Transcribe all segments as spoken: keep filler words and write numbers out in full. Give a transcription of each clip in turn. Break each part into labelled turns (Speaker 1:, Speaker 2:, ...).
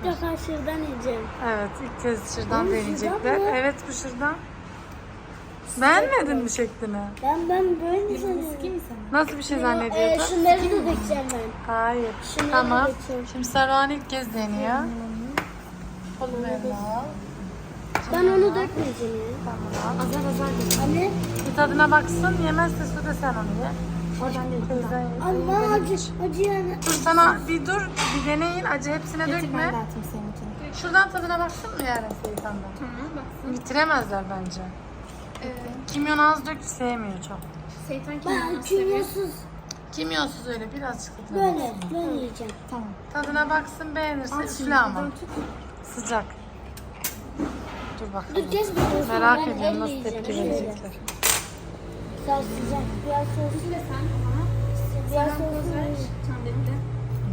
Speaker 1: İlk defa şırdan yiyeceğim.
Speaker 2: Evet, ilk kez şırdan
Speaker 1: Oğlum,
Speaker 2: deneyecekler.
Speaker 1: şırdan mı?
Speaker 2: Evet, bu şırdan. Beğenmedin mi şeklini?
Speaker 1: Ben ben böyle sanıyorum.
Speaker 2: Nasıl bir şey
Speaker 1: Ee,
Speaker 2: zannediyordun?
Speaker 1: şunları da dökeceğim ben.
Speaker 2: Hayır.
Speaker 1: Şunları
Speaker 2: Tamam.
Speaker 1: dökeceğim.
Speaker 2: Şimdi Saruhan ilk kez deniyor. Polymerini al.
Speaker 1: Ben onu dökmeyeceğim ya.
Speaker 2: Tamam.
Speaker 3: Azar azar dök.
Speaker 1: Anne,
Speaker 2: Bir tadına baksın. Yemezse su da sen onu ye.
Speaker 3: Oradan değil.
Speaker 2: Teyzen ye.
Speaker 1: Allah acı, acı yani.
Speaker 2: Dur sana bir dur. Bir deneyin. Acı hepsine
Speaker 3: Getir ben
Speaker 2: dökme.
Speaker 3: dağıtayım senin için.
Speaker 2: Şuradan tadına baksın mı yarın Seyithan'dan?
Speaker 4: Tamam baksın.
Speaker 2: Bitiremezler bence.
Speaker 4: Ee,
Speaker 2: Kimyon az dök sevmiyor çok.
Speaker 4: Seytan
Speaker 1: Ben
Speaker 4: kimyonu seviyor.
Speaker 1: kimyonsuz
Speaker 2: Kimyonsuz öyle birazcık tadına
Speaker 1: böyle,
Speaker 2: baksın.
Speaker 1: böyle yiyeceğim.
Speaker 3: Tamam.
Speaker 2: Tadına baksın beğenirse
Speaker 3: Al şimdi
Speaker 2: üfle ama.
Speaker 3: buradan tut.
Speaker 2: Sıcak. Dur bakalım.
Speaker 1: Dur kes bir
Speaker 2: Merak
Speaker 1: ben
Speaker 2: ediyorum
Speaker 1: elle
Speaker 2: nasıl
Speaker 1: yiyeceğim.
Speaker 2: tepki
Speaker 1: Şöyle.
Speaker 2: verecekler.
Speaker 1: Biraz sıcak, biraz soğuk.
Speaker 4: Üfle sen bana.
Speaker 1: Biraz
Speaker 4: Sen
Speaker 1: soğuk.
Speaker 4: poz ver. Çandemi de.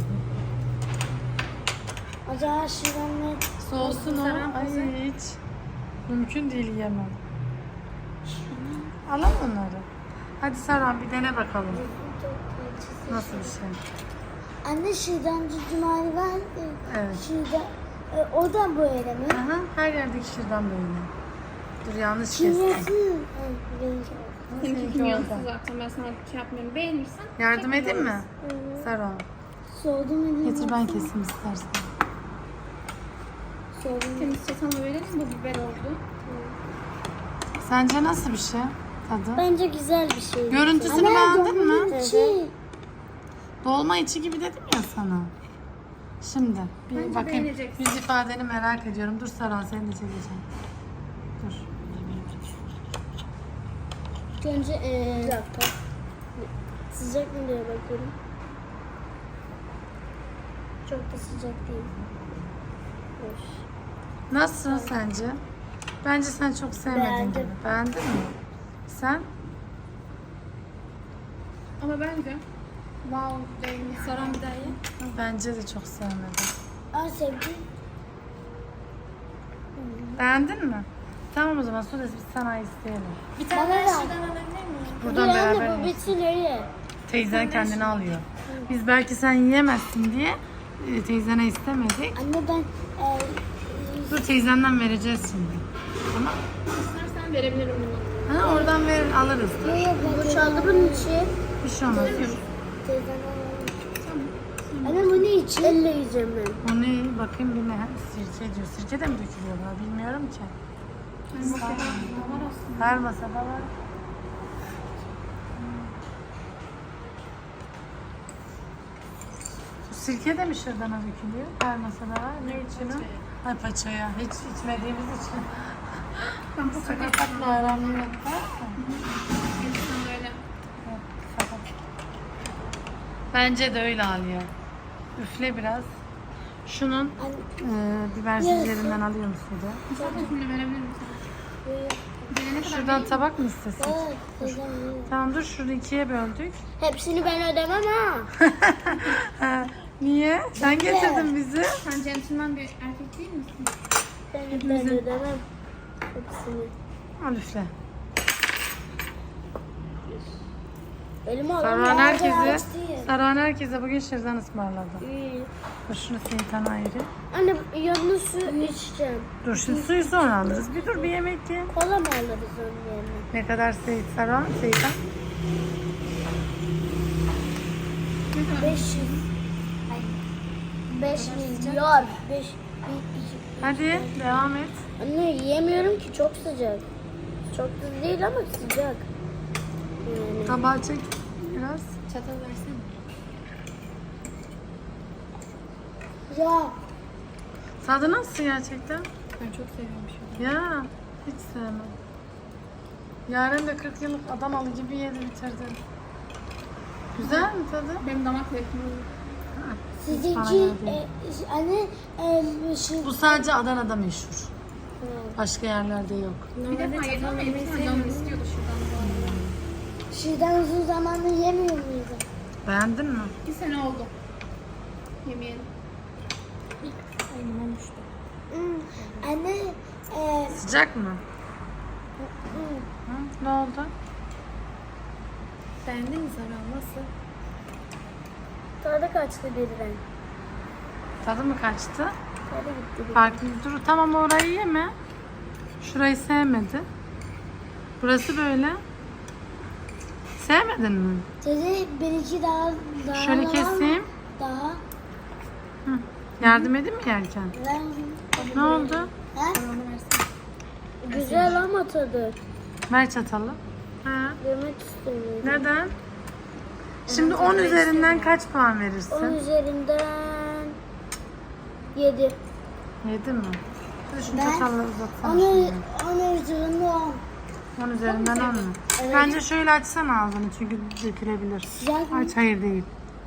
Speaker 1: Acaba şuradan ne?
Speaker 2: Soğusun o.
Speaker 4: Saran
Speaker 2: Ay
Speaker 4: pozu.
Speaker 2: hiç. Mümkün değil yemem. Alalım onları. Hadi Serhan bir dene bakalım. Nasıl bir şey?
Speaker 1: Anne şuradan cumali var.
Speaker 2: Evet.
Speaker 1: Şurada, e, o da böyle mi?
Speaker 2: Aha, her yerdeki şırdan böyle. Dur yanlış kestim.
Speaker 1: Kimyonsuz. Ha, benimki.
Speaker 4: Seninki
Speaker 2: Seninki
Speaker 4: kimyonsuz
Speaker 2: orada.
Speaker 4: zaten. Ben sana şey yapmıyorum. Beğenirsen.
Speaker 2: Yardım edeyim mi?
Speaker 1: Evet.
Speaker 2: Serhan.
Speaker 1: Soğudu mu? diye
Speaker 2: Getir ben
Speaker 1: baksana.
Speaker 2: keseyim istersen.
Speaker 1: Soğudu mu?
Speaker 4: Temiz çatalını verelim. Bu biber oldu.
Speaker 2: Sence nasıl bir şey? Tadı?
Speaker 1: Bence güzel bir şey.
Speaker 2: Görüntüsünü
Speaker 1: Anne,
Speaker 2: beğendin mi?
Speaker 1: dolmanın içi.
Speaker 2: Dolma içi gibi dedim ya sana. Şimdi bir
Speaker 4: Bence
Speaker 2: bakayım.
Speaker 4: beğeneceksin.
Speaker 2: Yüz ifadeni merak ediyorum. Dur Serhan seni de çekeceğim. Dur.
Speaker 1: Önce ee, bir dakika. Sıcak mı diye bakıyorum. Çok da sıcak değil. Hoş.
Speaker 2: Nasıl sence? Bence sen çok sevmedin
Speaker 1: Beğendim.
Speaker 2: gibi. Beğendin mi? Sen?
Speaker 4: Ama bence wow değil. Saran bir daha ye.
Speaker 2: Bence de çok sevmedim.
Speaker 1: Aa sevdim.
Speaker 2: Beğendin mi? Tamam o zaman Sudes biz sana isteyelim.
Speaker 4: Bir
Speaker 1: Bana
Speaker 4: tane
Speaker 1: ver.
Speaker 4: daha şuradan alabilir miyim?
Speaker 2: Buradan
Speaker 1: Dur
Speaker 2: beraber
Speaker 1: anne bu
Speaker 2: yiyelim.
Speaker 1: bitsin öyle.
Speaker 2: Teyzen kendini alıyor. Biz belki sen yiyemezsin diye e, teyzene istemedik.
Speaker 1: Anne ben ee,
Speaker 2: Dur teyzenden vereceğiz şimdi. Tamam.
Speaker 4: İstersen verebilirim bunu.
Speaker 2: Ha, oradan ver alırız.
Speaker 1: yok yok boşaldı bunun içi.
Speaker 2: Bir şey olmaz.
Speaker 1: Teyzen Anne bu ne için? Elle yiyeceğim ben.
Speaker 2: O ne? Bakayım bir ne? Sirke diyor. Sirke de mi dökülüyor buna? Bilmiyorum ki.
Speaker 4: Yani masada var aslında.
Speaker 2: Her masada var. Bu sirke de mi şırdana dökülüyor? Her masada var. Ne için o? Ay paçaya. Hiç içmediğimiz için.
Speaker 4: Ben bu kadar
Speaker 2: Sakatla aram yok.
Speaker 4: Gerçekten de öyle.
Speaker 2: Bence de öyle alıyor. Üfle biraz. Şunun
Speaker 1: Anne
Speaker 2: e, bibersizlerinden alıyor musun da?
Speaker 4: Zaten şimdi verebilir misin? Gelene kadar
Speaker 2: Şuradan tabak mı istesin?
Speaker 1: evet, teyzem yiyor.
Speaker 2: Tamam dur şurada ikiye böldük.
Speaker 1: Hepsini ben ödemem ha.
Speaker 2: Ha, niye? Sen getirdin bizi.
Speaker 4: Sen centilmen bir erkek değil misin?
Speaker 1: Ben, ben ödemem. Hepsini.
Speaker 2: Al üfle.
Speaker 1: Elime al.
Speaker 2: Saruhan
Speaker 1: Nerede
Speaker 2: herkese,
Speaker 1: ağaç değil.
Speaker 2: Saruhan herkese bugün şırdan ısmarladı.
Speaker 1: İyi.
Speaker 2: Dur şunu Seyithan ayrı.
Speaker 1: Anne yanına su içeceğim.
Speaker 2: Dur şimdi suyu sonra alırız. Bir dur bir yemek ye.
Speaker 1: Kola mı alırız onun yerine?
Speaker 2: Ne kadar Seyit Saruhan? Seyithan?
Speaker 1: beş yüz. beş milyar. beş
Speaker 2: Hadi devam et.
Speaker 1: Anne yiyemiyorum ki çok sıcak. Çok da değil ama sıcak. Yani.
Speaker 2: Tabağı çek biraz.
Speaker 4: Çatal versene.
Speaker 1: Ya
Speaker 2: Tadı nasıl gerçekten?
Speaker 4: Ben çok seviyorum şu
Speaker 2: Ya hiç sevmem. Yaren de kırk yıllık Adanalı gibi yedi bitirdi. Güzel mi tadı?
Speaker 4: Benim damak zevkim olur.
Speaker 1: sizinki
Speaker 2: bana göre değil.
Speaker 1: e, anne e, şu
Speaker 2: Bu sadece Adana'da meşhur. Başka yerlerde yok.
Speaker 4: Bir defa yedim ama yemek canım istiyordu şuradan bu arada.
Speaker 1: şuradan uzun zamandır yemiyor muydu?
Speaker 2: Beğendin mi?
Speaker 4: Bir sene oldu. Yemeyelim.
Speaker 3: Elimden düştü.
Speaker 1: Hmm. Anne e,
Speaker 2: Sıcak mı?
Speaker 1: hmm.
Speaker 2: Hı? Ne oldu?
Speaker 3: Beğendin mi Saran? Nasıl?
Speaker 1: tadı kaçtı birden.
Speaker 2: Tadı mı kaçtı?
Speaker 1: Nereye gitti?
Speaker 2: Farklı dur. Tamam orayı yeme. Şurayı sevmedi. Burası böyle. Sevmedin mi?
Speaker 1: Dedi bir iki daha daha
Speaker 2: Şöyle
Speaker 1: da var mı?
Speaker 2: keseyim.
Speaker 1: Daha.
Speaker 2: Hı. Yardım edeyim mi yerken?
Speaker 1: Ben,
Speaker 2: Ne oldu?
Speaker 1: He? Güzel ama tadı.
Speaker 2: Ver çatalı. Ha.
Speaker 1: Yemek istemiyorum.
Speaker 2: Neden? Şimdi on üzerinden kaç puan
Speaker 1: On
Speaker 2: verirsin?
Speaker 1: üzerinden yedi.
Speaker 2: Yedi mi? Hadi şu
Speaker 1: Ben
Speaker 2: çatalı uzatsana.
Speaker 1: Onu,
Speaker 2: şimdi.
Speaker 1: onu üzerinden on.
Speaker 2: on üzerinden on mu?
Speaker 1: Evet.
Speaker 2: Bence şöyle açsana ağzını çünkü dökülebilir.
Speaker 1: Sıcak mı?
Speaker 2: Aç, hayır değil.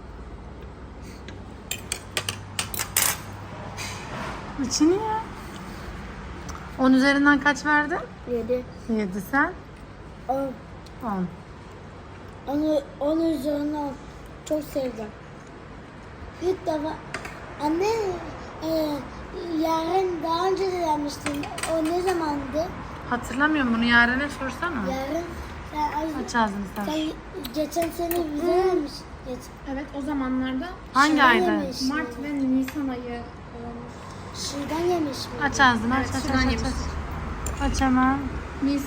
Speaker 2: İçini ya. on üzerinden kaç verdin?
Speaker 1: Yedi.
Speaker 2: yedi sen.
Speaker 1: On.
Speaker 2: on.
Speaker 1: Onu, onu üzerinden on. Çok sevdim. İlk defa anne e, yarın daha önce de demiştin. O ne zamandı?
Speaker 2: Hatırlamıyorum, bunu Yaren'e sorsana.
Speaker 1: Yarın sen, az-
Speaker 2: Aç ağzını sen.
Speaker 1: sen geçen sene bize vermiş. Geç.
Speaker 4: Evet o zamanlarda
Speaker 2: Hangi
Speaker 1: Şuradan
Speaker 2: ayda?
Speaker 1: yemiş.
Speaker 4: Mart ve Nisan ayı olmuş.
Speaker 1: Şuradan yemiş mi?
Speaker 2: Aç ağzını, aç
Speaker 4: Evet,
Speaker 2: aç
Speaker 4: şuradan
Speaker 2: aç aç.
Speaker 4: yemiş.
Speaker 2: Aç. Aç hemen.
Speaker 4: Mis.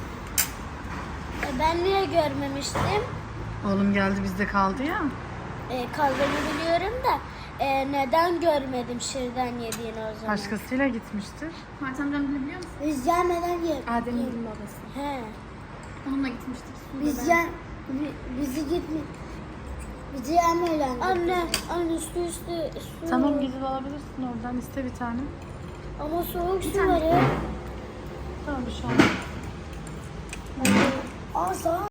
Speaker 1: E, ben niye görmemiştim?
Speaker 2: Oğlum geldi bizde kaldı ya.
Speaker 1: E, kaldığını biliyorum da e, neden görmedim şırdan yediğini o zaman?
Speaker 2: Başkasıyla gitmiştir.
Speaker 4: Mert amcam bile biliyor musun?
Speaker 1: Biz gelmeden ye.
Speaker 4: Adem'in babası.
Speaker 1: He.
Speaker 4: Onunla gitmiştik. Sude
Speaker 1: Biz
Speaker 4: ben.
Speaker 1: gel bi- bizi gitme. Bizi yemeyle. Anne, anne üstü üstü su.
Speaker 2: Tamam, gidip alabilirsin oradan, iste bir tane.
Speaker 1: Ama soğuk su
Speaker 4: tane.
Speaker 1: var ya.
Speaker 2: Tamam, bir şey olmaz.
Speaker 1: Aa, sağ